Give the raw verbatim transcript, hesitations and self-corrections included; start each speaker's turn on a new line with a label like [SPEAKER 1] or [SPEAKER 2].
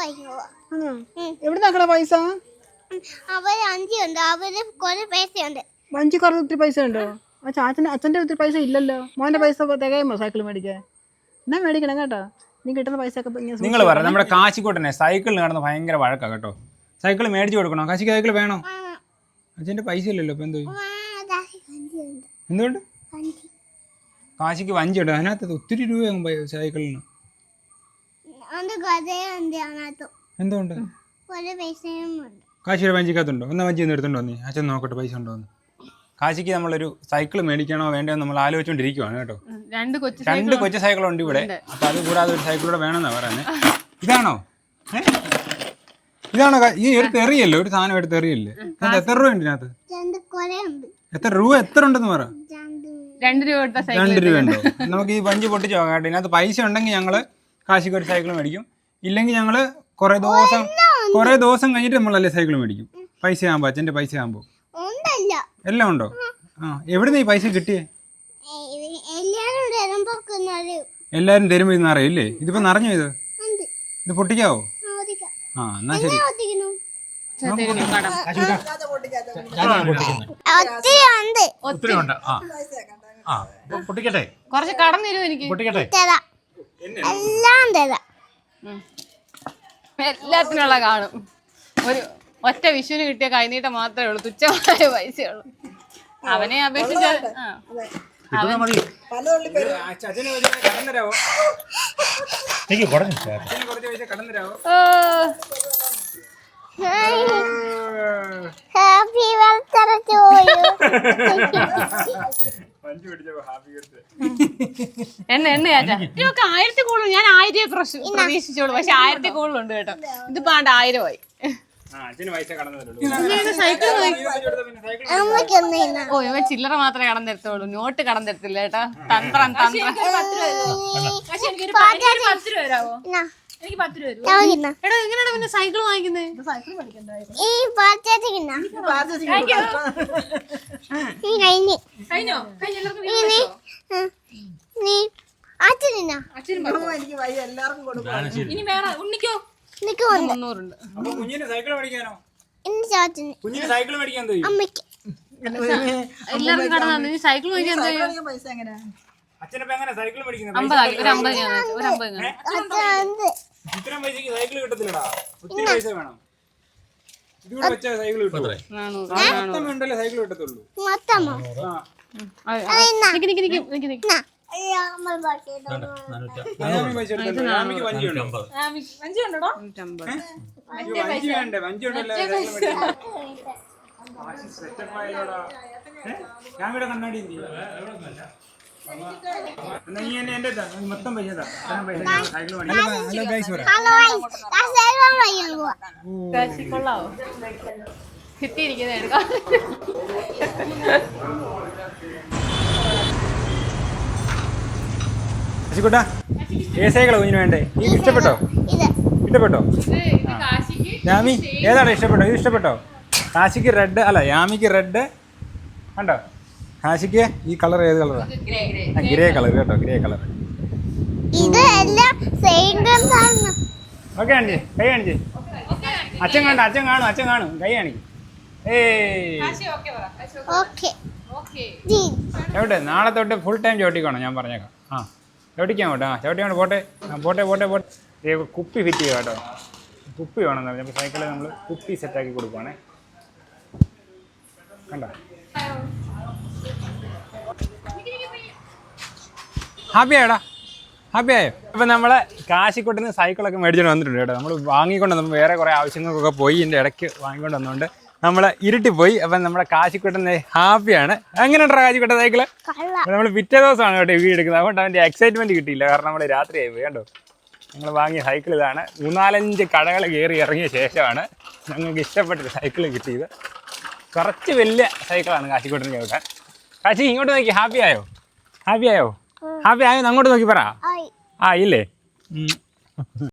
[SPEAKER 1] എവിടെ നോക്കണ പൈസ?
[SPEAKER 2] അവര് അഞ്ചുണ്ട്, അവര് കുറെ പൈസയുണ്ട്.
[SPEAKER 1] വഞ്ചി കുറച്ച് ഒത്തിരി പൈസ ഉണ്ടോ? ആ ചാച്ചന് അച്ഛൻ്റെ ഒത്തിരി പൈസ ഇല്ലല്ലോ. മോൻ്റെ പൈസ തികയുമോ സൈക്കിൾ മേടിക്കാൻ? എന്നാ മേടിക്കണം കേട്ടോ. നീ കിട്ടുന്ന പൈസ ഒക്കെ
[SPEAKER 3] നിങ്ങൾ പറ. നമ്മുടെ കാശിക്കോട്ടനെ സൈക്കിളിൽ നടന്ന് ഭയങ്കര വഴക്കാ കേട്ടോ. സൈക്കിൾ മേടിച്ചു കൊടുക്കണോ? കാശിക്ക് സൈക്കിൾ വേണോ? അച്ഛൻ്റെ പൈസ ഇല്ലല്ലോ. ഇപ്പം എന്തോ എന്തുകൊണ്ട് കാശിക്ക് വഞ്ചി ഉണ്ട്, അതിനകത്ത് ഒത്തിരി രൂപയാകും സൈക്കിളിന്. എന്തുകൊണ്ട് കാശിയുടെ വഞ്ചിക്കകത്തുണ്ടോ? എന്നാ വഞ്ചി ഒന്ന് എടുത്തുണ്ടോ നീ? അച്ഛൻ നോക്കട്ടെ പൈസ ഉണ്ടോ എന്ന്. കാശിക്ക് നമ്മളൊരു സൈക്കിൾ മേടിക്കണോ വേണ്ടോ നമ്മൾ ആലോചിച്ചുകൊണ്ടിരിക്കുവാണ് കേട്ടോ. രണ്ട് കൊച്ചു സൈക്കിളുണ്ട് ഇവിടെ. അപ്പൊ അത് കൂടാതെ ഒരു സൈക്കിളൂടെ വേണമെന്നാ പറയുന്നത്. ഇതാണോ ഇതാണോ ഈ ഒരു തെറിയല്ലേ, ഒരു സാധനം എടുത്ത് തെറിയല്ലേ? എത്ര രൂപ ഉണ്ട് ഇതിനകത്ത്? എത്ര രൂപ എത്ര ഉണ്ടെന്ന് പറ. രണ്ട് രൂപ ഉണ്ടോ? നമുക്ക് ഈ വഞ്ചി പൊട്ടിച്ച് നോക്കാം കേട്ടോ. ഇതിനകത്ത് പൈസ ഉണ്ടെങ്കിൽ ഞങ്ങള് കാശിക്ക് ഒരു സൈക്കിൾ മേടിക്കും. ഇല്ലെങ്കിൽ ഞങ്ങള് കുറെ ദിവസം കുറെ ദിവസം കഴിഞ്ഞിട്ട് നമ്മളല്ലേ സൈക്കിൾ മേടിക്കും. പൈസ ആകുമ്പോ അച്ഛൻ്റെ പൈസ ആകുമ്പോ എല്ലാം ഉണ്ടോ? ആ എവിടുന്ന് ഈ പൈസ കിട്ടിയേ? എല്ലാരും തരുമ്പോ ഇത് നിറയില്ലേ? ഇതിപ്പോ നിറഞ്ഞോ? ഇത് ഇത് പൊട്ടിക്കാവോ? ആ എന്നാ ശരി.
[SPEAKER 4] കുറച്ച് കടം തരുമോ എനിക്ക്? എല്ലാത്തിനുള്ള കാണും. ഒരു ഒറ്റ വിഷുവിന് കിട്ടിയ കൈനീട്ടം മാത്രമേ ഉള്ളൂ, തുച്ഛമായ പൈസയുള്ളൂ. അവനെ അപേക്ഷിച്ച് എണ്ണ എണ്ണ ചാച്ചാ ഇതൊക്കെ ആയിരത്തി കൂടുതൽ. ഞാൻ ആയിരം പ്രതീക്ഷിച്ചോളൂ, പക്ഷെ ആയിരത്തി കൂടുതലുണ്ട് കേട്ടോ. ഇതിപ്പോ ആണ്ട് ആയിരമായി. ഓ ഇവ ചില്ലറ മാത്രമേ കടം തരത്തുള്ളൂ, നോട്ട് കടം തരത്തില്ല കേട്ടോ. തന്ത്രം തന്ത്രം. എടാ എങ്ങനെയാണ് പിന്നെ സൈക്കിൾ വാങ്ങിക്കുന്നത്? ഇനി വേറെ ഉണ്ണിക്കോ മുന്നൂറുണ്ട്. എല്ലാവർക്കും കടന്നു. നീ സൈക്കിൾ മേടിക്കാൻ അമ്പതാക്കി ഒരു അമ്പത് ഞാൻ ഒരു അമ്പത് കൊള്ളാവോ? കിട്ടിയിരിക്കുന്നത് എടുക്കാം.
[SPEAKER 3] ഏ സൈക്കിളോ കുഞ്ഞിന് വേണ്ടേ? ഈ ഇഷ്ടപ്പെട്ടോ? ഇഷ്ടപ്പെട്ടോ യാമി? ഏതാണ് ഇഷ്ടപ്പെട്ടോ? ഇത് ഇഷ്ടപ്പെട്ടോ? കാശിക്ക് റെഡ് അല്ല, യാമിക്ക് റെഡ് കണ്ടോ? കാശിക്ക് ഈ കളർ ഏത് കളറാ? ഗ്രേ കളർ കേട്ടോ, ഗ്രേ കളർ. ഓക്കെ ആണിച്ചേ, കൈ കാണിച്ചേ. അച്ഛൻ കാണും, അച്ഛൻ കാണും, അച്ഛൻ കാണും, കൈ കാണിക്കും. ഏയ് എവിടെ? നാളെ തൊട്ട് ഫുൾ ടൈം ചവിട്ടിക്കോണം ഞാൻ പറഞ്ഞേക്കാം. ആ ചവിട്ടിക്കാൻ കേട്ടോ. ആ ചവിട്ടിക്കൊണ്ട് പോട്ടെ. ആ പോട്ടെ പോട്ടെ പോട്ടെ. കുപ്പി ഫിറ്റ് ചെയ്യുക കേട്ടോ. കുപ്പി വേണമെന്ന് പറഞ്ഞാൽ സൈക്കിളിൽ നമ്മൾ കുപ്പി സെറ്റാക്കി കൊടുക്കുവാണേ. കണ്ടോ? ഹാപ്പി ആയോടാ? ഹാപ്പി ആയോ? ഇപ്പം നമ്മൾ കാശിക്കോട്ടിന് സൈക്കിളൊക്കെ മേടിച്ചുകൊണ്ട് വന്നിട്ടുണ്ട് കേട്ടോ. നമ്മൾ വാങ്ങിക്കൊണ്ട് നമ്മൾ വേറെ കുറേ ആവശ്യങ്ങൾക്കൊക്കെ പോയി ഇതിൻ്റെ ഇടയ്ക്ക് വാങ്ങിക്കൊണ്ട് വന്നുകൊണ്ട് നമ്മൾ ഇരുട്ടി പോയി. അപ്പം നമ്മുടെ കാശിക്കോട്ടൻ ഹാപ്പിയാണ്. എങ്ങനെയുണ്ടോ കാശിക്കോട്ടെ സൈക്കിള്? നമ്മൾ പിറ്റേ ദിവസമാണ് കേട്ടോ വീട് എടുക്കുന്നത്. അതുകൊണ്ട് അവൻ്റെ എക്സൈറ്റ്മെൻറ്റ് കിട്ടിയില്ല, കാരണം നമ്മൾ രാത്രിയായി പോയി. കണ്ടോ? ഞങ്ങൾ വാങ്ങിയ സൈക്കിൾ ഇതാണ്. മൂന്നാലഞ്ച് കടകൾ കയറി ഇറങ്ങിയ ശേഷമാണ് ഞങ്ങൾക്ക് ഇഷ്ടപ്പെട്ടൊരു സൈക്കിൾ കിട്ടിയത്. കുറച്ച് വലിയ സൈക്കിളാണ് കാശിക്കോട്ടിന് കേൾക്കാൻ. കാശി ഇങ്ങോട്ട് നോക്കി. ഹാപ്പി ആയോ? ഹാപ്പി ആയോ? ഹാപ്പി ആയോ? അങ്ങോട്ട് നോക്കി പറ. ആ ഇല്ലേ?